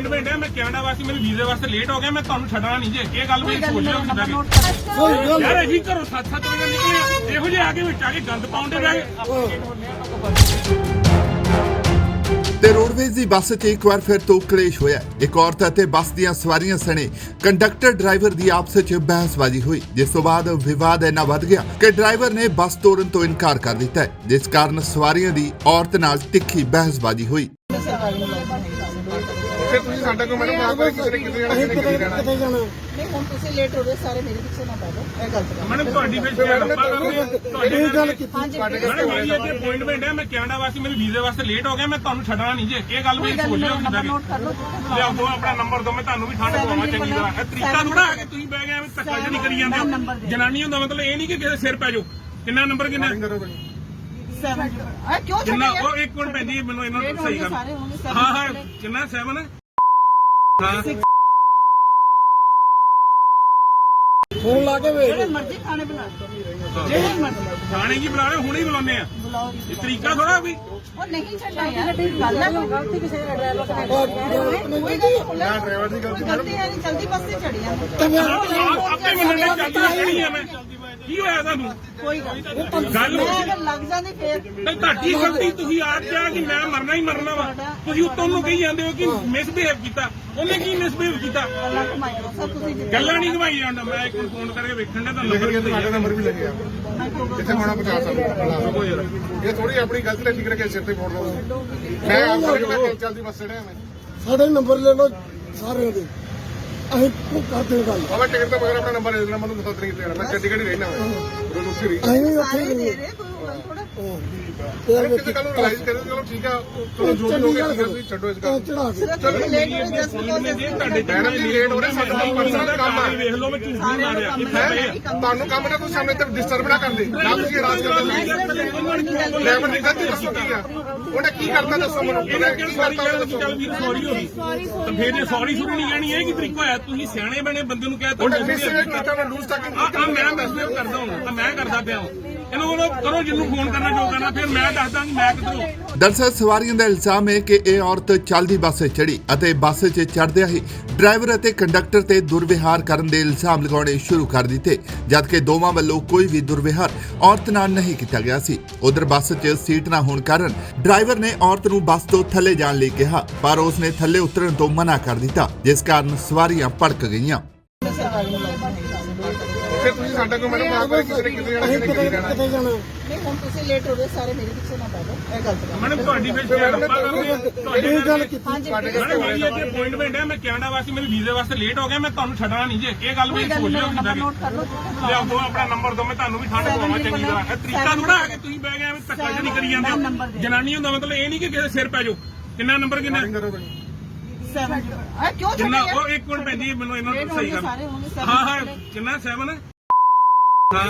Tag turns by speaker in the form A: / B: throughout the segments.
A: Appointment है, मैं Canada वास्ते मेरे वीजे वास्ते लेट हो गया, मैं ਤੁਹਾਨੂੰ ਛੱਡਣਾ ਨਹੀਂ ਜੇ ਇਹ ਗੱਲ ਵੀ ਸੋਚ ਲਿਓ ਕਿਦਾਂ ਯਾਰ ਅਸੀਂ ਘਰੋਂ 7-7 ਵਜੇ ਨਿਕਲੇ ਇਹੋ ਜਿਹੇ ਆ ਕੇ ਵਿੱਚ ਆ ਕੇ ਗੰਦ ਪਾਉਂਦੇ ਰਹੇ
B: ਤੇ ਰੋਡਵੇਜ਼ ਦੀ ਬੱਸ 'ਚ ਇੱਕ ਵਾਰ ਫਿਰ ਤੋਂ ਕਲੇਸ਼ ਹੋਇਆ। ਇੱਕ ਔਰਤ ਅਤੇ ਬੱਸ ਦੀਆਂ ਸਵਾਰੀਆਂ ਸਣੇ ਕੰਡਕਟਰ ਡਰਾਈਵਰ ਦੀ ਆਪਸ 'ਚ ਬਹਿਸਬਾਜ਼ੀ ਹੋਈ, ਜਿਸ ਤੋਂ ਬਾਅਦ ਵਿਵਾਦ ਇੰਨਾ ਵੱਧ ਗਿਆ ਕਿ ਡਰਾਈਵਰ ਨੇ ਬੱਸ ਤੋੜਨ ਤੋਂ ਇਨਕਾਰ ਕਰ ਦਿੱਤਾ ਹੈ, ਜਿਸ ਕਾਰਨ ਸਵਾਰੀਆਂ ਦੀ ਔਰਤ ਨਾਲ ਤਿੱਖੀ ਬਹਿਸਬਾਜ਼ੀ ਹੋਈ।
C: ਫਿਰ ਤੁਸੀਂ ਸਾਡਾ ਕੋਈ ਮੈਡਮ ਆਪ ਕਿਸੇ ਨੇ ਕਿਤੇ ਜਾਣਾ ਕਿਤੇ ਜਾਣਾ
D: ਨਹੀਂ ਹੁਣ ਤੁਸੀਂ ਲੇਟ ਹੋ ਗਏ ਸਾਰੇ ਮੇਰੇ ਪਿੱਛੇ ਨਾ ਪੈ ਜਾਓ ਇਹ ਗਲਤ ਗੱਲ
A: ਮੈਡਮ ਤੁਹਾਡੀ ਫਿਰ ਲੱਭਾ ਕਰਦੇ ਤੁਹਾਡੀ
D: ਗੱਲ
A: ਮੈਡਮ ਮੇਰੀ ਇੱਥੇ ਅਪਾਇੰਟਮੈਂਟ ਹੈ, ਮੈਂ ਕਨਾਡਾ ਵਾਸਤੇ ਮੇਰੇ ਵੀਜ਼ੇ ਵਾਸਤੇ ਲੇਟ ਹੋ ਗਿਆ, ਮੈਂ ਤੁਹਾਨੂੰ ਛੱਡਣਾ ਨਹੀਂ ਜੇ ਇਹ ਗੱਲ ਵੀ ਸੋਚ ਲਿਓ ਕਿਦਾਂ
D: ਨੋਟ ਕਰ ਲਓ
A: ਲਿਆਓ ਦੋ ਆਪਣਾ ਨੰਬਰ ਦੋ, ਮੈਂ ਤੁਹਾਨੂੰ ਵੀ ਠੰਡ ਪਵਾਵਾਂ ਚੰਗੀ ਤਰ੍ਹਾਂ। ਇਹ ਤਰੀਕਾ ਥੋੜਾ ਹੈ ਕਿ ਤੁਸੀਂ ਬਹਿ ਗਏ ਐਵੇਂ ਧੱਕਾ ਜਿਹੜੀ ਕਰੀ ਜਾਂਦੇ ਹੋ। ਜਨਾਨੀ ਹੁੰਦਾ ਮਤਲਬ ਇਹ ਨਹੀਂ ਕਿ ਕਿਸੇ ਸਿਰ ਪੈ ਜਾਓ। ਕਿੰਨਾ ਨੰਬਰ ਕਿੰਨਾ
D: ਕਿਉਂ
A: ਕਿੰਨਾ ਉਹ ਇੱਕ ਮਿੰਟ ਭੈਣ ਜੀ ਮੈਨੂੰ ਇਹਨਾਂ ਨੂੰ ਸਹੀ ਕਰ ਹਾਂ ਹਾਂ ਕਿੰਨਾ 7 ਹਾਂ
D: ਫੋਨ ਲਾ ਕੇ ਵੇਖ ਜਿਹੜੇ ਮਰਜ਼ੀ ਖਾਣੇ ਬਣਾ ਜਿਹੜੇ ਮਰਜ਼ੀ
A: ਥਾਣੇ ਕੀ ਬੁਲਾ ਰਹੇ ਹੁਣੇ ਹੀ ਬੁਲਾਉਂਦੇ ਆ।
D: ਬੁਲਾਓ
A: ਇਹ ਤਰੀਕਾ ਥੋੜਾ ਵੀ
D: ਉਹ ਨਹੀਂ ਛੱਡਣਾ ਯਾਰ ਗੱਲ ਹੈ ਗਲਤੀ ਕਿਸੇ ਦਾ ਡਰਾਈਵਰ ਦਾ
C: ਨਾ ਡਰਾਈਵਰ ਦੀ ਗਲਤੀ
D: ਗਲਤੀ ਹੈ ਨਹੀਂ ਜਲਦੀ ਬੱਸ ਤੇ ਚੜੀ ਆ
A: ਆਪੇ ਮੰਨਣੇ ਚਾਹੀਦੀ ਖੜੀ ਆ ਮੈਂ ਕੀ ਹੋਇਆ ਤੁਹਾਨੂੰ
D: ਕੋਈ
A: ਗੱਲ
D: ਅਗਰ ਲੱਗ ਜਾਂਦੀ ਫੇਰ
A: ਤੇ ਤੁਹਾਡੀ ਗਲਤੀ ਤੁਸੀਂ ਆਪ ਕਿਹਾ ਕਿ ਮੈਂ ਮਰਨਾ ਹੀ ਮਰਨਾ ਵਾ, ਤੁਸੀਂ ਉੱਤੋਂ ਨੂੰ ਕਹੀ ਜਾਂਦੇ ਹੋ ਕਿ ਮਿਸਬਿਹੇਵ ਕੀਤਾ। ਉਹਨੇ ਕੀ ਮਿਸਬਿਹੇਵ ਕੀਤਾ?
D: ਗੱਲਾਂ ਘੁਮਾਈ ਜਾਓ ਸਰ ਤੁਸੀਂ
A: ਗੱਲਾਂ ਨਹੀਂ ਘਵਾਈ ਜਾਂਦਾ। ਮੈਂ ਇੱਕ ਫੋਨ ਕਰਕੇ ਵੇਖਣ ਦਾ ਤੁਹਾਨੂੰ
C: ਲਿਖ ਤੁਹਾਡਾ ਨੰਬਰ ਵੀ ਲੱਗਿਆ ਜਿੱਥੇ ਹੋਣਾ ਪਹੁੰਚਾ ਸਕਦਾ। ਇਹ ਥੋੜੀ ਆਪਣੀ ਗਲਤੀ ਨਾਲ ਠੀਕ ਰੱਖੇ ਸਿਰ ਤੇ ਫੋੜ ਲਓ। ਮੈਂ ਆਪ ਕਰਕੇ ਚੱਲਦੀ ਬੱਸ ਚੜਿਆ ਮੈਂ
E: ਸਾਡੇ ਨੰਬਰ ਲੈ ਲਓ ਸਾਰਿਆਂ ਦੇ ਅਸੀਂ ਕਰਦੇ ਹਾਂ ਗੱਲ
C: ਬਾਬਾ ਟਿਕਟ ਤੋਂ ਬਗੈਰ ਆਪਣਾ ਨੰਬਰ ਦੇ ਦੇਣਾ ਮੈਨੂੰ ਦੱਸ ਨਹੀਂ ਕਿਤੇ ਜਾਣਾ ਮੈਂ ਚੰਡੀਗੜ੍ਹ ਹੀ ਰਹਿਣਾ ਮੈਂ ਉਦੋਂ ਉੱਥੇ ਰਹੀ
E: ਅਸੀਂ ਵੀ ਉੱਥੇ
D: ਸਾਰੇ
E: ਹੀ
D: ਦੇ
E: ਗਏ
D: ਰਹੇ ਕੋਈ ਗੱਲ ਥੋੜਾ
C: ਕਿਸੇ ਗੱਲ ਨੂੰ ਰਿਲਾਈਜ਼ ਕਰੇ ਚਲੋ ਠੀਕ ਆ ਚਲੋ ਜੋ ਵੀ ਹੋ ਗਿਆ ਤੁਸੀਂ ਛੱਡੋ ਇਸ ਗੱਲ
E: ਚੜਾ ਕੇ
D: ਸਿਰਫ ਤੁਸੀਂ ਲੇਟ ਹੋ ਜਸਟ ਬਿਕੋਜ਼
A: ਤੁਹਾਡੇ
C: ਮੈਡਮ ਜੀ ਲੇਟ ਹੋ ਰਹੇ ਸਾਡਾ ਪਰਸਨਲ ਕੰਮ ਆ
A: ਵੇਖ ਲਓ ਮੈਂ ਝੂਠ ਨਹੀਂ ਮਾਰਿਆ ਕਿੱਥੇ ਪਏ ਆ।
C: ਤੁਹਾਨੂੰ ਕੰਮ ਨਾ ਤੁਸੀਂ ਸਾਹਮਣੇ ਤੇ ਡਿਸਟਰਬ ਨਾ ਕਰਦੇ ਨਾ ਤੁਸੀਂ ਰਾਜ ਕਰਦੇ ਲੈਵਲ ਦੀ ਗਲਤੀ ਦੱਸੋ ਕੀ ਆ ਉਹਨੇ ਕੀ ਕਰਤਾ ਦੱਸੋ ਮੈਨੂੰ
A: ਇਹਨੇ ਕਿਹੜੀ ਸਾਰੀ ਗੱਲ ਚੱਲ ਵੀਰ ਸੌਰੀ ਹੋ ਗਈ ਤਾਂ ਫਿਰ ਇਹ ਸੌਰੀ ਸ਼ੁਰੂ ਨਹੀਂ ਕਹਿਣੀ ਇਹ ਕੀ ਤਰੀਕਾ ਹੋਇਆ? ਤੁਸੀਂ ਸਿਆਣੇ ਬਣੇ ਬੰਦੇ ਨੂੰ ਕਹਿ ਤਾ
C: ਉਹਨੇ ਮਿਸਬਿਹੇਵ ਕੀਤਾ ਮੈਂ ਲੂਜ਼ ਟਾਕਿੰਗ
A: ਮੈਂ ਮੈਸੇਜ ਕਰਦਾ ਹਾਂ ਮੈਂ ਕਰਦਾ ਪਿਆ ਹਾਂ ਇਹਨੂੰ ਬੋਲੋ ਕਰੋ ਜਿਹਨੂੰ ਫੋਨ ਕਰਨਾ ਜੋ ਕਰਨਾ ਫਿਰ ਮੈਂ ਦੱਸਦਾ ਕਿ ਮੈਂ ਕਿੱਧਰੋਂ।
B: ਦਰਅਸਲ ਸਵਾਰੀਆਂ ਦਾ ਇਲਜ਼ਾਮ ਹੈ ਕਿ ਇਹ ਔਰਤ ਚੱਲਦੀ ਬੱਸ 'ਚ ਚੜੀ ਅਤੇ ਬੱਸ 'ਚ ਚੜ੍ਹਦਿਆਂ ਹੀ ਡਰਾਈਵਰ ਅਤੇ ਕੰਡਕਟਰ ਤੇ ਦੁਰਵਿਹਾਰ ਕਰਨ ਦੇ ਇਲਜ਼ਾਮ ਲਗਾਉਣੇ ਸ਼ੁਰੂ ਕਰ ਦਿੱਤੇ, ਜਦਕਿ ਦੋਵਾਂ ਵੱਲੋਂ ਕੋਈ ਵੀ ਦੁਰਵਿਹਾਰ ਔਰਤ ਨਾਲ ਨਹੀਂ ਕੀਤਾ ਗਿਆ ਸੀ। ਉਧਰ ਬੱਸ 'ਚ ਸੀਟ ਨਾ ਹੋਣ ਕਾਰਨ ਡਰਾਈਵਰ ਨੇ ਔਰਤ ਨੂੰ ਬੱਸ ਤੋਂ ਥੱਲੇ ਜਾਣ ਲਈ ਕਿਹਾ, ਪਰ ਉਸਨੇ ਥੱਲੇ ਉਤਰਨ ਤੋਂ ਮਨਾ ਕਰ ਦਿੱਤਾ, ਜਿਸ ਕਾਰਨ ਸਵਾਰੀਆਂ ਭੜਕ ਗਈਆਂ।
C: ਫਿਰ ਤੁਸੀਂ ਸਾਡਾ ਕੋਈ ਮੈਡਮ ਆਪ ਕਿਸੇ ਨੇ ਕਿਤੇ ਜਾਣਾ ਕਿਤੇ ਜਾਣਾ
E: ਕਿਤੇ ਜਾਣਾ
D: ਨਹੀਂ ਹੁਣ ਤੁਸੀਂ ਲੇਟ ਹੋ ਗਏ ਸਾਰੇ ਮੇਰੇ ਪਿੱਛੇ ਨਾ ਪੈ ਜਾਓ ਇਹ ਗਲਤ ਗੱਲ
A: ਮੈਡਮ ਤੁਹਾਡੀ ਫਿਰ ਲੱਭਾ ਕਰਦੇ ਤੁਹਾਡੀ
E: ਗੱਲ ਕੀਤੀ
A: ਮੈਡਮ ਮੇਰੀ ਇੱਥੇ ਅਪਾਇੰਟਮੈਂਟ ਹੈ, ਮੈਂ ਕਨਾਡਾ ਵਾਸਤੇ ਮੇਰੇ ਵੀਜ਼ੇ ਵਾਸਤੇ ਲੇਟ ਹੋ ਗਿਆ, ਮੈਂ ਤੁਹਾਨੂੰ ਛੱਡਣਾ ਨਹੀਂ ਜੇ ਇਹ ਗੱਲ ਵੀ ਸੋਚ ਲਿਓ ਕਿਦਾਂ
D: ਨੋਟ ਕਰ ਲਓ
A: ਲਿਆਓ ਦੋ ਆਪਣਾ ਨੰਬਰ ਦੋ, ਮੈਂ ਤੁਹਾਨੂੰ ਵੀ ਠੰਡ ਪਵਾਵਾਂ ਚੰਗੀ ਤਰ੍ਹਾਂ। ਇਹ ਤਰੀਕਾ ਥੋੜਾ ਹੈ ਕਿ ਤੁਸੀਂ ਬਹਿ ਗਏ ਐਵੇਂ ਧੱਕਾ ਜਿਹੜੀ ਕਰੀ ਜਾਂਦੇ ਹੋ। ਜਨਾਨੀ ਹੁੰਦਾ ਮਤਲਬ ਇਹ ਨਹੀਂ ਕਿ ਕਿਸੇ ਸਿਰ ਪੈ ਜਾਓ। ਕਿੰਨਾ ਨੰਬਰ ਕਿੰਨਾ
D: ਕਿਉਂ
A: ਕਿੰਨਾ ਉਹ ਇੱਕ ਮਿੰਟ ਭੈਣ ਜੀ ਮੈਨੂੰ ਇਹਨਾਂ ਨੂੰ ਸਹੀ ਕਰ
D: ਸਾਰੇ ਹੋਣਗੇ
A: ਹਾਂ ਹਾਂ ਕਿੰਨਾ 7 ਹਾਂ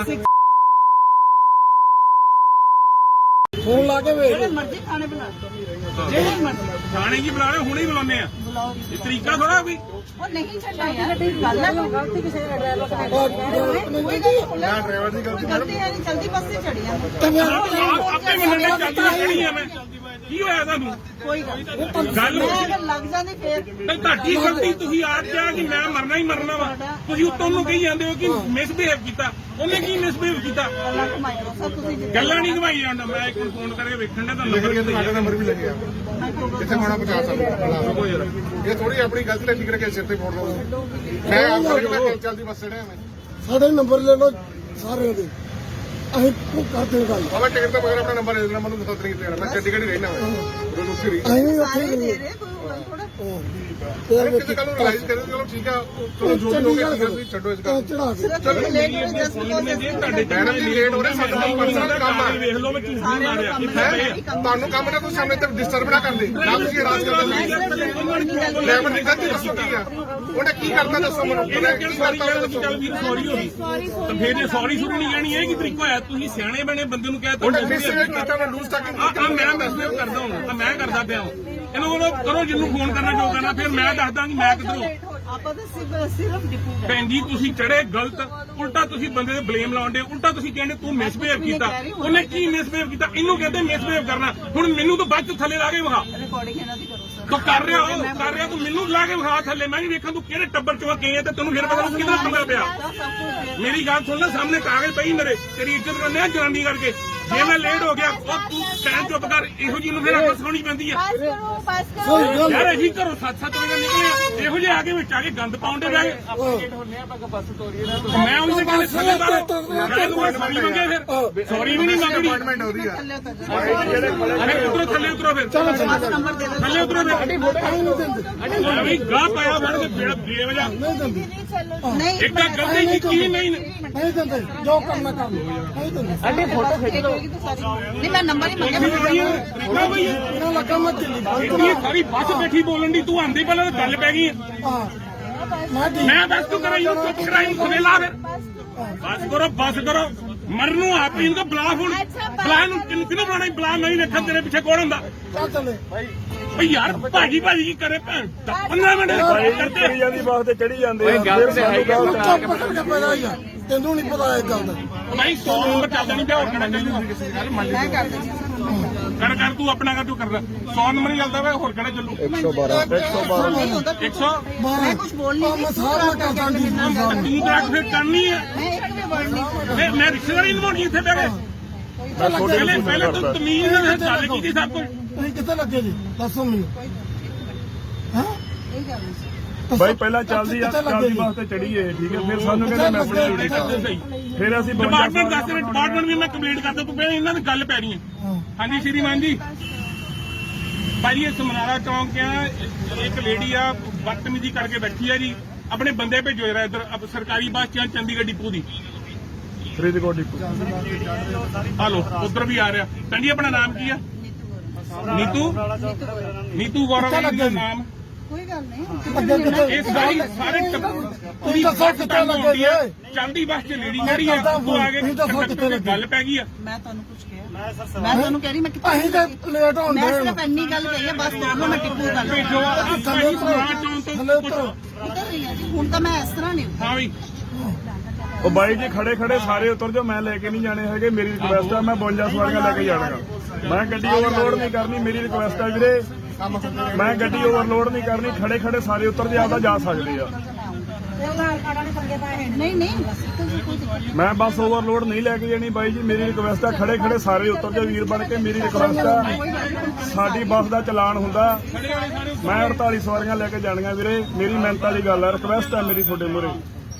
E: ਫੋਨ ਲਾ ਕੇ ਵੇਖ
D: ਜਿਹੜੇ ਮਰਜ਼ੀ ਖਾਣੇ ਬਣਾ ਜਿਹੜੇ ਮਰਜ਼ੀ
A: ਥਾਣੇ ਕੀ ਬੁਲਾ ਰਹੇ ਹੁਣੇ ਹੀ ਬੁਲਾਉਂਦੇ ਆ।
D: ਬੁਲਾਓ
A: ਇਹ ਤਰੀਕਾ ਥੋੜਾ ਵੀ
D: ਉਹ ਨਹੀਂ ਛੱਡਣਾ ਯਾਰ ਗੱਲ ਹੈ ਗਲਤੀ ਕਿਸੇ ਦਾ ਡਰਾਈਵਰ ਦਾ
C: ਨਾ ਡਰਾਈਵਰ ਦੀ ਗਲਤੀ
D: ਗਲਤੀ ਹੈ ਨਹੀਂ ਜਲਦੀ ਬੱਸ ਤੇ ਚੜੀ ਆ
A: ਆਪੇ ਮੰਨਣੇ ਚਾਹੀਦੀ ਖੜੀ ਆ ਮੈਂ ਕੀ ਹੋਇਆ ਤੁਹਾਨੂੰ
D: ਕੋਈ ਗੱਲ
A: ਗੱਲ
D: ਅਗਰ ਲੱਗ ਜਾਂਦੀ ਫੇਰ
A: ਤੇ ਤੁਹਾਡੀ ਗਲਤੀ ਤੁਸੀਂ ਆਪ ਕਿਹਾ ਕਿ ਮੈਂ ਮਰਨਾ ਹੀ ਮਰਨਾ ਵਾ, ਤੁਸੀਂ ਉੱਤੋਂ ਨੂੰ ਕਹੀ ਜਾਂਦੇ ਹੋ ਕਿ ਮਿਸਬਿਹੇਵ ਕੀਤਾ। ਉਹਨੇ ਕੀ ਮਿਸਬਿਹੇਵ ਕੀਤਾ?
D: ਗੱਲਾਂ ਘੁਮਾਈ ਜਾਓ ਸਰ ਤੁਸੀਂ
A: ਗੱਲਾਂ ਨਹੀਂ ਘਵਾਈ ਜਾਂਦਾ। ਮੈਂ ਇੱਕ ਫੋਨ ਕਰਕੇ ਵੇਖਣ ਦਾ ਤੁਹਾਨੂੰ
C: ਲਿਖ ਤੁਹਾਡਾ ਨੰਬਰ ਵੀ ਲੱਗਿਆ ਜਿੱਥੇ ਹੋਣਾ ਪਹੁੰਚਾ ਸਕਦਾ। ਇਹ ਥੋੜੀ ਆਪਣੀ ਗਲਤੀ ਨਾਲ ਠੀਕ ਰੱਖੇ ਸਿਰ ਤੇ ਫੋੜ ਲਓ। ਮੈਂ ਆਪ ਕਰਕੇ ਚੱਲਦੀ ਬੱਸ ਚੜਿਆ ਮੈਂ
E: ਸਾਡੇ ਨੰਬਰ ਲੈ ਲਓ ਸਾਰਿਆਂ ਦੇ ਅਸੀਂ ਕਰਦੇ ਹਾਂ ਗੱਲ
C: ਬਾਬਾ ਟਿਕਟ ਤੋਂ ਬਗੈਰ ਆਪਣਾ ਨੰਬਰ ਦੇ ਦੇਣਾ ਮੈਨੂੰ ਦੱਸ ਨਹੀਂ ਕਿਤੇ ਜਾਣਾ ਮੈਂ ਚੰਡੀਗੜ੍ਹ ਹੀ ਰਹਿਣਾ ਮੈਂ ਉਦੋਂ ਉੱਥੇ ਰਹੀ
E: ਅਸੀਂ ਵੀ ਉੱਥੇ
D: ਸਾਰੇ
E: ਹੀ
D: ਦੇ
E: ਗਏ
D: ਰਹੇ ਕੋਈ ਗੱਲ ਥੋੜਾ
C: ਕਿਸੇ ਗੱਲ ਨੂੰ ਰਿਲਾਈਜ਼ ਕਰੇ ਚਲੋ ਠੀਕ ਆ ਚਲੋ ਜੋ ਵੀ ਹੋ ਗਿਆ ਤੁਸੀਂ ਛੱਡੋ ਇਸ ਗੱਲ
E: ਚੜਾ ਕੇ
D: ਸਿਰਫ ਤੁਸੀਂ ਲੇਟ ਹੋ ਜਸਟ ਬਿਕੋਜ਼
A: ਤੁਹਾਡੇ
C: ਮੈਡਮ ਜੀ ਲੇਟ ਹੋ ਰਹੇ ਸਾਡਾ ਪਰਸਨਲ ਕੰਮ ਆ
A: ਵੇਖ ਲਓ ਮੈਂ ਝੂਠ ਨਹੀਂ ਮਾਰਿਆ ਕਿੱਥੇ ਪਏ ਆ।
C: ਤੁਹਾਨੂੰ ਕੰਮ ਨਾ ਤੁਸੀਂ ਸਾਹਮਣੇ ਤੇ ਡਿਸਟਰਬ ਨਾ ਕਰਦੇ ਨਾ ਤੁਸੀਂ ਰਾਜ ਕਰਦੇ ਲੈਵਲ ਦੀ ਗਲਤੀ ਦੱਸੋ ਕੀ ਆ ਉਹਨੇ ਕੀ ਕਰਤਾ ਦੱਸੋ ਮੈਨੂੰ
A: ਇਹਨੇ ਕਿਹੜੀ ਸਾਰੀ ਗੱਲ ਚੱਲ ਵੀਰ ਸੌਰੀ ਹੋ ਗਈ ਤਾਂ ਫਿਰ ਇਹ ਸੌਰੀ ਸ਼ੁਰੂ ਨਹੀਂ ਕਹਿਣੀ ਇਹ ਕੀ ਤਰੀਕਾ ਹੋਇਆ? ਤੁਸੀਂ ਸਿਆਣੇ ਬਣੇ ਬੰਦੇ ਨੂੰ ਕਹਿ ਤਾ
C: ਉਹਨੇ ਮਿਸਬਿਹੇਵ ਕੀਤਾ ਮੈਂ ਲੂਜ਼ ਟਾਕਿੰਗ
A: ਮੈਂ ਮੈਸੇਜ ਕਰਦਾ ਹਾਂ ਮੈਂ ਕਰਦਾ ਪਿਆ ਹਾਂ ਇਹਨੂੰ ਬੋਲੋ ਕਰੋ ਜਿਹਨੂੰ ਫੋਨ ਕਰਨਾ ਜੋ ਕਰਨਾ ਫਿਰ ਮੈਂ ਦੱਸਦਾ ਕਿ ਮੈਂ ਕਿੱਧਰੋਂ।
D: ਆਪਾਂ ਤਾਂ ਸਿਰਫ ਡਿਪੂ
A: ਭੈਣ ਜੀ ਤੁਸੀਂ ਚੜੇ ਗਲਤ, ਉਲਟਾ ਤੁਸੀਂ ਬੰਦੇ ਤੇ ਬਲੇਮ ਲਾਉਂਦੇ, ਉਲਟਾ ਤੁਸੀਂ ਕਹਿੰਦੇ ਤੂੰ ਮਿਸਬਿਹੇਵ ਕੀਤਾ। ਉਹਨੇ ਕੀ ਮਿਸਬਿਹੇਵ ਕੀਤਾ? ਇਹਨੂੰ ਕਹਿੰਦੇ ਮਿਸਬਿਹੇਵ ਕਰਨਾ। ਹੁਣ ਮੈਨੂੰ ਤਾਂ ਬਾਅਦ ਚ ਥੱਲੇ ਲਾ ਕੇ ਵਿਖਾ।
D: ਰਿਕਾਰਡਿੰਗ ਇਹਨਾਂ ਦੀ ਕਰੋ ਸਰ
A: ਤੂੰ ਕਰ ਰਿਹਾ ਤੂੰ ਮੈਨੂੰ ਲਾ ਕੇ ਵਿਖਾ ਥੱਲੇ ਮੈਂ ਵੀ ਵੇਖਾਂ ਤੂੰ ਕਿਹੜੇ ਟੱਬਰ ਚੋਂ ਗਈ ਹੈ ਤੇ ਤੈਨੂੰ ਫਿਰ ਪਤਾ ਕਿਹਦਾ ਪੰਗਾ ਪਿਆ ਮੇਰੀ ਗੱਲ ਸੁਣ ਲੈ ਸਾਹਮਣੇ ਕਾਗਜ਼ ਪਈ ਮੇਰੇ ਤੇਰੀ ਇੱਜ਼ਤ ਕਰਨੇ ਆ ਜਨਾਨੀ ਕਰਕੇ ਜੇ ਮੈਂ ਲੇਟ ਹੋ ਗਿਆ ਉਹ ਤੂੰ ਟਾਈਮ ਚੁੱਪ ਕਰ ਇਹੋ ਜਿਹੀ ਨੂੰ ਫਿਰ ਅੱਖ ਸੁਣੀ ਪੈਂਦੀ ਆ ਯਾਰ ਅਸੀਂ ਘਰੋਂ 7-7 ਵਜੇ ਨਿਕਲੇ ਇਹੋ ਜਿਹੇ ਆ ਕੇ ਵਿੱਚ ਆ ਕੇ ਗੰਦ ਪਾਉਂਦੇ ਬਹਿ ਮੈਂ ਉਹਨੂੰ ਕਹਿੰਦੇ ਥੱਲੇ ਬਾਹਰ ਸੌਰੀ ਮੰਗੇ ਫਿਰ ਸੌਰੀ ਵੀ ਨਹੀਂ ਮੰਗਣੀ
C: ਅਪਾਇੰਟਮੈਂਟ ਹੋ ਰਹੀ ਆ
A: ਉਤਰੋ ਥੱਲੇ ਉਤਰੋ ਫਿਰ ਥੱਲੇ ਉਤਰੋ ਫਿਰ ਅਭੀ ਗਾਹ ਪਾਇਆ ਫੜ ਕੇ ਬੇਵਜ੍ਹਾ ਇੱਕ ਤਾਂ ਗਲਤੀ ਕੀਤੀ ਨਹੀਂ
E: ਨਹੀਂ ਦਿੰਦੇ ਜੋ ਕਰਨਾ ਕਰ ਲਓ ਨਹੀਂ ਦਿੰਦੇ
D: ਅੱਡੇ ਫੋਟੋ ਖਿੱਚ ਲਓ ਨਹੀਂ ਮੈਂ ਨੰਬਰ ਹੀ ਮੰਗਿਆ
E: ਇਹਨਾਂ ਲੱਗਾ ਮੈਂ ਦਿੱਲੀ
A: ਇੰਨੀ ਸਾਰੀ ਬੱਸ ਬੈਠੀ ਬੋਲਣ ਦੀ ਤੂੰ ਆਂਦੀ ਪਹਿਲਾਂ ਤਾਂ ਗੱਲ ਪੈ ਗਈ
E: ਹਾਂ ਮੈਂ ਠੀਕ
A: ਮੈਂ ਦੱਸ ਤੂੰ ਕਰਾਈ ਉਹ ਚੁੱਪ ਕਰਾਈ ਖਵੇਲਾ ਫਿਰ ਬਸ ਕਰੋ ਮਰਨ ਨੂੰ ਆਪ ਹੀ ਇਨਕਾ ਬਲਾ ਹੁਣ ਬਲਾ ਨੂੰ ਕਿਹਨੂੰ ਬੁਲਾਣਾ ਬਲਾ ਨਹੀਂ ਰੱਖਾ ਤੇਰੇ ਪਿੱਛੇ ਕੌਣ ਹੁੰਦਾ
E: ਚੱਲ ਚੱਲੇ
A: ਭਈ ਯਾਰ ਭਾਜੀ ਕੀ ਕਰੇ ਭੈਣ 15 ਮਿੰਟ ਕਰਦੇ
F: ਜਾਂਦੀ ਬਾਸ ਤੇ ਚੜੀ ਜਾਂਦੇ ਆ ਫਿਰ ਸਾਨੂੰ
E: ਚੁੱਪ ਕਰਕੇ ਪੈਦਾ ਹੀ ਆ ਤੈਨੂੰ ਨਹੀਂ ਪਤਾ ਇਹ ਗੱਲ ਦਾ
A: ਭਾਈ 100 ਨੰਬਰ ਚੱਲਦਾ ਨਹੀਂ ਪਿਆ ਹੋਰ ਕਿਹੜਾ
D: ਮੈਂ ਕਰ ਦਿੰਦੀ
A: ਕਰ ਤੂੰ ਆਪਣਾ ਕਰ ਤੂੰ ਕਰਦਾ 100 ਨੰਬਰ ਹੀ ਚੱਲਦਾ ਵਾ ਹੋਰ ਕਿਹੜਾ ਚੱਲੂ
F: 112
D: ਨਹੀਂ ਹੁੰਦਾ
A: 100
D: ਮੈਂ ਕੁਝ ਬੋਲ ਨਹੀਂ
E: ਮੈਂ ਸਾਰਾ ਕਰਦਾ ਜੀ
A: ਤੂੰ ਤਾਂ ਫਿਰ ਕਰਨੀ ਹੈ
D: ਮੈਂ ਇੱਕ ਵੀ ਵਰਡ ਨਹੀਂ
A: ਮੈਂ ਰਿਸ਼ਤੇਦਾਰੀ ਨਿਭਾਉਣੀ ਇੱਥੇ ਬਹਿ ਕੇ ਪਹਿਲੇ ਤੂੰ ਤਮੀਜ਼ ਨਾਲ ਗੱਲ ਕੀਤੀ ਸਭ ਕੁਝ
E: ਤੁਸੀਂ ਕਿੱਥੇ ਲੱਗੇ ਜੀ ਦੱਸੋ ਮੈਨੂੰ ਹਾਂ
D: ਇਹ ਗੱਲ ਨਹੀਂ
F: ਬਾਈ ਪਹਿਲਾਂ ਚੱਲਦੀ ਬੱਸ ਤੇ ਚੜੀਏ ਠੀਕ ਹੈ ਫਿਰ ਸਾਨੂੰ ਕਹਿੰਦੇ ਮੈਂ ਆਪਣੀ ਡਿਊਟੀ
A: ਕਰਦੇ ਸਹੀ
F: ਫਿਰ ਅਸੀਂ
A: ਡਿਪਾਰਟਮੈਂਟ ਦੱਸ ਰਹੇ ਡਿਪਾਰਟਮੈਂਟ ਵੀ ਮੈਂ ਕੰਪਲੀਟ ਕਰਦਾ ਤੂੰ ਪਹਿਲਾਂ ਇਹਨਾਂ ਦੀ ਗੱਲ ਪੈ ਰਹੀ ਹੈ ਹਾਂਜੀ ਸ਼੍ਰੀਮਾਨ ਜੀ ਭਾਈ ਇਹ ਸਮਨਾਰਾ ਚੌਂਕ ਆ ਇੱਕ ਲੇਡੀ ਆ ਬਦਤਮੀਜ਼ੀ ਕਰਕੇ ਬੈਠੀ ਆ ਜੀ ਆਪਣੇ ਬੰਦੇ ਭੇਜੋ ਜਰਾ ਇੱਧਰ ਸਰਕਾਰੀ ਬੱਸ ਚ ਚੰਡੀਗੜ੍ਹ ਡਿਪੂ ਦੀ
F: ਫਰੀਦਕੋਟ ਡਿਪੂ
A: ਹਲੋ ਉਧਰ ਵੀ ਆ ਰਿਹਾ ਕਹਿੰਦੀ ਆਪਣਾ ਨਾਮ ਕੀ ਆ ਨੀਤੂ ਗੌਰਵ ਦਾ ਨਾਮ
D: ਕੋਈ ਗੱਲ ਨਹੀਂ
A: ਇਹ ਸਾਰੇ
E: ਤੁਸੀਂ ਦੱਸੋ ਕਿੱਥੇ ਲੱਗੇ ਜੀ
A: ਚੰਡੀ ਬੱਸ ਚ ਲੇਡੀ ਜਿਹੜੀ ਆ ਉਹ ਆ ਕੇ ਗੱਲ ਪੈ ਗਈ ਆ
D: ਮੈਂ ਤੁਹਾਨੂੰ ਕੁਝ ਕਿਹਾ ਮੈਂ ਤੁਹਾਨੂੰ ਕਹਿ ਰਹੀ ਮੈਂ
E: ਅਸੀਂ ਤਾਂ ਲੇਟ ਹੋਣ
D: ਮੈਂ
E: ਦੇ
D: ਸਿਰਫ ਇੰਨੀ ਗੱਲ ਕਹੀ ਹੈ ਬਸ ਦੋਨੋਂ ਮੈਂ ਟਿੱਪੂ ਗੱਲ
A: ਭੇਜੋ ਭਾਈ ਸਮਾਜ ਚੌਂਕ
E: ਥੱਲੇ
A: ਤੋਂ
E: ਉਤਰੋ
D: ਉਤਰ ਰਹੀ ਹਾਂ ਜੀ ਹੁਣ ਤਾਂ ਮੈਂ ਇਸ ਤਰ੍ਹਾਂ ਨਹੀਂ
A: ਹਾਂ ਵੀ
F: ਉਹ ਬਾਈ ਜੀ ਖੜੇ ਸਾਰੇ ਉਤਰ ਜਾਓ ਮੈਂ ਲੈ ਕੇ ਨਹੀਂ ਜਾਣੇ ਹੈਗੇ ਮੇਰੀ ਰਿਕੁਐਸਟ ਆ ਮੈਂ 52 ਸਵਾਰੀਆਂ ਲੈ ਕੇ ਜਾਣਾਗਾ ਮੈਂ ਗੱਡੀ ਓਵਰਲੋਡ ਨਹੀਂ ਕਰਨੀ ਮੇਰੀ ਰਿਕੁਐਸਟ ਆ ਵੀਰੇ ਮੈਂ ਗੱਡੀ ਓਵਰਲੋਡ ਨਹੀਂ ਕਰਨੀ ਖੜੇ ਸਾਰੇ ਉਤਰ ਜੇ ਆਪਦਾ ਜਾ ਸਕਦੇ ਆ
D: ਨਹੀਂ
F: ਮੈਂ ਬੱਸ ਓਵਰਲੋਡ ਨਹੀਂ ਲੈ ਕੇ ਜਾਣੀ ਬਾਈ ਜੀ ਮੇਰੀ ਰਿਕੁਐਸਟ ਆ ਖੜੇ ਸਾਰੇ ਉਤਰ ਜਾਓ ਵੀਰ ਬਣ ਕੇ ਮੇਰੀ ਰਿਕੁਐਸਟ ਆ ਸਾਡੀ ਬੱਸ ਦਾ ਚਲਾਨ ਹੁੰਦਾ ਮੈਂ 48 ਸਵਾਰੀਆਂ ਲੈ ਕੇ ਜਾਣੀਆਂ ਵੀਰੇ ਮੇਰੀ ਮਿਹਨਤ ਵਾਲੀ ਗੱਲ ਆ ਰਿਕੁਐਸਟ ਆ ਮੇਰੀ ਤੁਹਾਡੇ ਮੂਹਰੇ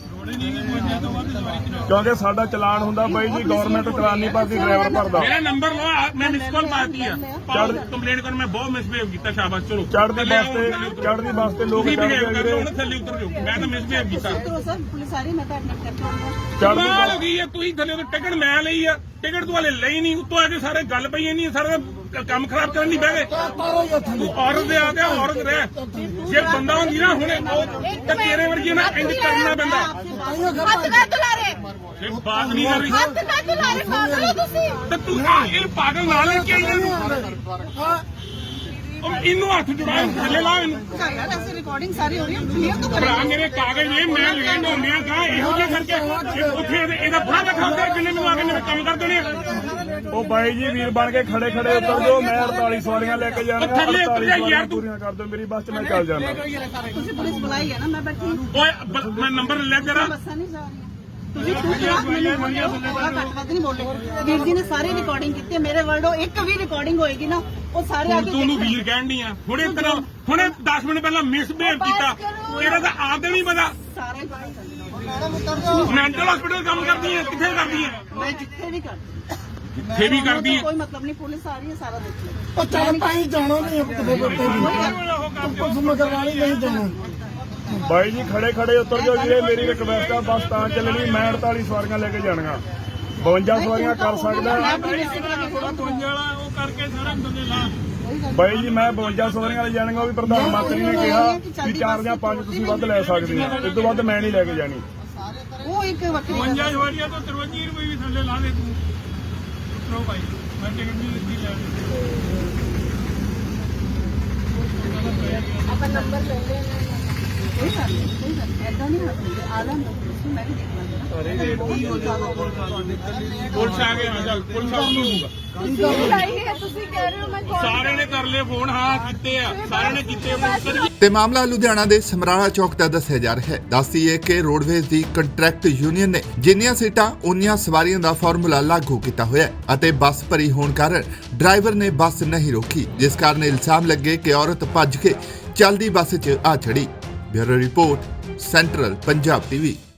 F: ਕਿਉਂਕਿ ਸਾਡਾ ਚਲਾਨ ਹੁੰਦਾ ਬਾਈ ਜੀ ਗਵਰਨਮੈਂਟ ਚਲਾਨ ਨਹੀਂ ਭਰਦੀ ਡਰਾਈਵਰ ਭਰਦਾ
A: ਮੇਰਾ ਨੰਬਰ ਲਓ ਮੈਂ ਮਿਸ ਕਾਲ ਮਾਰਤੀ ਆ ਕੰਪਲੇਂਟ ਕਰ ਮੈਂ ਬਹੁਤ ਮਿਸਬਿਹੇਵ ਕੀਤਾ ਸ਼ਾਬਾਸ਼ ਚਲੋ
F: ਚੜ੍ਹਦੀ ਬੱਸ ਤੇ ਲੋਕ
A: ਤੁਸੀਂ
F: ਚੜ੍ਹਦੇ
A: ਬਿਹੇਵ
F: ਆ
A: ਕਰਦੇ
F: ਵੀਰੇ
A: ਹੋ ਥੱਲੇ ਉਤਰ ਜਾਓ ਮੈਂ ਤਾਂ ਮਿਸਬਿਹੇਵ ਕੀਤਾ
D: ਉਤਰੋ ਸਰ ਪੁਲਿਸ ਆ ਰਹੀ ਮੈਂ ਤਾਂ ਐਡਮਿਟ ਕਰਕੇ ਆਉਂਗਾ
F: ਚੜ੍ਹਦੀ
A: ਕਮਾਲ ਹੋ
F: ਬੱਸ
A: ਗਈ ਹੈ ਤੁਸੀਂ ਥੱਲੇ ਤੋਂ ਟਿਕਟ ਮੈਂ ਲਈ ਆ ਟਿਕਟ ਤੂੰ ਹਲੇ ਲਈ ਨਹੀਂ ਉੱਤੋਂ ਆ ਕੇ ਸਾਰੇ ਗੱਲ ਪਈ ਇੰਨੀ ਸਾਰਾ ਕੰਮ ਖਰਾਬ ਕਰਨ ਨਹੀਂ ਬਹਿ ਗਏ
E: ਤਾਰੋ ਹੀ ਥੱਲੇ
A: ਤੂੰ ਔਰਤ ਦੇ ਆ ਗਿਆ ਔਰਤ ਰਹਿ ਜੇ ਬੰਦਾ ਹੁੰਦੀ ਨਾ ਹੁਣੇ ਉਹ ਤੇ ਤੇਰੇ ਵਰਗੀ ਨਾ ਇੰਜ ਕਰਨਾ ਪੈਂਦਾ
D: ਹੱਥ ਨਾ ਤੁਲਾਰੇ
A: ਇਹ ਬਾਤ ਨਹੀਂ ਕਰ ਰਹੀ
D: ਹੱਥ ਨਾ ਤੁਲਾਰੇ ਪਾਗਲ ਹੋ ਤੁਸੀਂ
A: ਤੇ ਤੂੰ ਇਹ ਪਾਗਲ ਨਾਲ ਲੈ ਕੇ ਆਈ ਇਹਨੂੰ ਇਹਨੂੰ ਹੱਥ ਜੁੜਾ ਥੱਲੇ ਲਾ ਇਹਨੂੰ
D: ਯਾਰ ਐਸੀ ਰਿਕਾਰਡਿੰਗ ਸਾਰੀ ਹੋ ਰਹੀ ਹੈ ਕਲੀਅਰ ਤਾਂ
A: ਭਰਾ
D: ਕਰੋ
A: ਮੇਰੇ ਕਾਗਜ਼ ਨੇ ਮੈਂ ਲੈਣ ਹੁੰਦਿਆਂ ਕਾ ਇਹੋ ਜਿਹਾ ਕਰਕੇ ਉੱਥੇ ਇਹਦਾ ਫੜਾ ਰੱਖਾ ਹੁੰਦਾ ਜਿੰਨੇ ਮੈਨੂੰ ਆ ਕੇ ਮੇਰੇ ਕੰਮ ਕਰ ਦੇਣੇ ਆ।
F: ਉਹ ਬਾਈ ਜੀ ਵੀਰ ਬਣ ਕੇ ਖੜੇ ਉਤਰ ਜਾਓ ਮੈਂ 48 ਸਵਾਰੀਆਂ ਲੈ ਕੇ ਜਾਣਾ
A: ਥੱਲੇ ਉਤਰ ਜਾ ਯਾਰ ਤੂੰ।
F: ਪੂਰੀਆਂ ਕਰ ਦਿਓ ਮੇਰੀ ਬੱਸ 'ਚ ਮੈਂ ਚੱਲ ਜਾਣਾ
D: ਤੁਸੀਂ ਪੁਲਿਸ ਬੁਲਾਈ ਹੈ ਨਾ ਮੈਂ ਬੈਠੀ
A: ਓਏ ਮੈਂ ਨੰਬਰ ਲੈ ਤੇਰਾ
D: ਬੱਸਾਂ ਨਹੀਂ ਜਾ ਰਹੀਆਂ ਤੁਸੀਂ ਖੁਦ ਮੈਨੂੰ ਬੋਲਿਓ ਥੋੜਾ ਘੱਟ ਵੱਧ ਨਹੀਂ ਬੋਲੇ ਵੀਰ ਜੀ ਨੇ ਸਾਰੀ ਰਿਕਾਰਡਿੰਗ ਕੀਤੀ ਹੈ ਮੇਰੇ ਵਰਡੋ ਇੱਕ ਵੀ ਰਿਕਾਰਡਿੰਗ ਹੋਏਗੀ ਨਾ ਉਹ ਸਾਰੇ ਆ ਕੇ
A: ਤੂੰ ਨੂੰ ਵੀਰ ਕਹਿਣ ਦੀ ਆ ਹੁਣੇ 10 ਮਿੰਟ ਪਹਿਲਾਂ ਮਿਸਬਿਹੇਵ ਕੀਤਾ ਇਹਦਾ ਤਾਂ ਆਪ ਨਹੀਂ ਪਤਾ
D: ਸਾਰੇ ਬਾਈ ਮੈਡਮ ਉਤਰ ਜਾਓ
A: ਮੈਂਟਲ ਹਸਪੀਟਲ ਕੰਮ ਕਰਦੀ ਹੈ ਕਿੱਥੇ ਕਰਦੀ ਹੈ
D: ਮੈਂ ਜਿੱਥੇ ਵੀ ਕਰਦੀ
A: ਜਿੱਥੇ ਵੀ ਕਰਦੀ ਹੈ
D: ਕੋਈ ਮਤਲਬ ਨਹੀਂ ਪੁਲਿਸ ਆ ਰਹੀ ਹੈ ਸਾਰਾ ਦੇਖ ਲਓ
E: ਉਹ ਚੱਲ ਪਾਈ ਜਾਣਾ ਨਹੀਂ ਕਿਤੇ ਬੱਤੇ ਵੀ ਪੁਲਿਸ ਮਗਰਵਾਲੀ ਨਹੀਂ ਜਾਣਾ
F: ਬਾਈ ਜੀ ਖੜੇ ਉਤਰ ਜਾਓ ਵੀਰੇ ਮੇਰੀ ਰਿਕਵੈਸਟ ਆ ਬੱਸ ਤਾਂ ਚੱਲਣੀ ਮੈਂ 48 ਸਵਾਰੀਆਂ ਲੈ ਕੇ ਜਾਣੀਆਂ 52 ਸਵਾਰੀਆਂ ਕਰ ਸਕਦਾ
D: ਮੈਂ ਆਪਣੀ ਰਿਸਕ ਲਾ ਕੇ ਥੋੜਾ
A: ਉਹ ਕਰਕੇ ਸਾਰਾ ਬੰਦੇ ਲਾ
F: ਬਾਈ ਜੀ ਮੈਂ 52 ਸਵਾਰੀਆਂ ਲੈ ਜਾਣੀਆਂ ਉਹ ਵੀ ਪ੍ਰਧਾਨ ਮੰਤਰੀ ਨੇ ਕਿਹਾ ਵੀ 4 ਜਾਂ 5 ਤੁਸੀਂ ਵੱਧ ਲੈ ਸਕਦੇ ਹੋ ਇਸ ਤੋਂ ਵੱਧ ਮੈਂ ਨਹੀਂ ਲੈ ਕੇ ਜਾਣੀ
D: ਉਹ ਇੱਕ ਵੱਖਰੀ ਗੱਲ ਹੈ।
A: 52 ਸਵਾਰੀਆਂ ਤੋਂ 53 ਰੁਪਏ ਵੀ ਥੱਲੇ ਲਾ ਦੇ ਤੂੰ ਉਤਰੋ ਭਾਈ ਮੈਂ ਟਿਕਟ ਨਹੀਂ ਦਿੱਤੀ ਲੈ
D: ਆਪਾਂ ਨੰਬਰ ਲੈ ਲੈਣਾ ਕੋਈ ਗੱਲ ਨਹੀਂ ਐਦਾਂ ਨਹੀਂ ਹੁੰਦੇ ਆਲਮ ਲੋਕ ਮੈਂ ਵੀ ਦੇਖ ਲਾਂਗਾ
A: ਪੁਲਿਸ ਆ ਗਏ ਚੱਲ ਪੁਲਿਸ ਆ ਹੋਊਗਾ
G: ਲਾਈ ਹੈ ਤੁਸੀਂ ਕਹਿ ਰਹੇ ਹੋ ਮੈਂ call
A: ਸਾਰਿਆਂ ਨੇ ਕਰ ਲਏ ਫੋਨ, ਹਾਂ ਕੀਤੇ ਆ, ਸਾਰਿਆਂ ਨੇ ਕੀਤੇ ਆ।
B: ਤੇ ਮਾਮਲਾ ਲੁਧਿਆਣਾ ਦੇ ਸਮਰਾਲਾ ਚੌਕ ਦਾ ਦੱਸਿਆ ਜਾ ਰਿਹਾ ਹੈ। ਦੱਸਦੀਏ ਕਿ ਰੋਡਵੇਜ਼ ਦੀ ਕੰਟਰੈਕਟ ਯੂਨੀਅਨ ਨੇ ਜਿੰਨੀਆਂ ਸੀਟਾਂ ਉਨੀਆਂ ਸਵਾਰੀਆਂ ਦਾ ਫਾਰਮੂਲਾ ਲਾਗੂ ਕੀਤਾ ਹੋਇਆ ਹੈ ਅਤੇ ਬੱਸ ਭਰੀ ਹੋਣ ਕਾਰਨ ਡਰਾਈਵਰ ਨੇ ਬੱਸ ਨਹੀਂ ਰੋਕੀ, ਜਿਸ ਕਾਰਨ ਇਲਜ਼ਾਮ ਲੱਗੇ ਕਿ ਔਰਤ ਭੱਜ ਕੇ ਚੱਲਦੀ ਬੱਸ 'ਚ ਆ ਚੜੀ। Bureau report, central Punjab TV.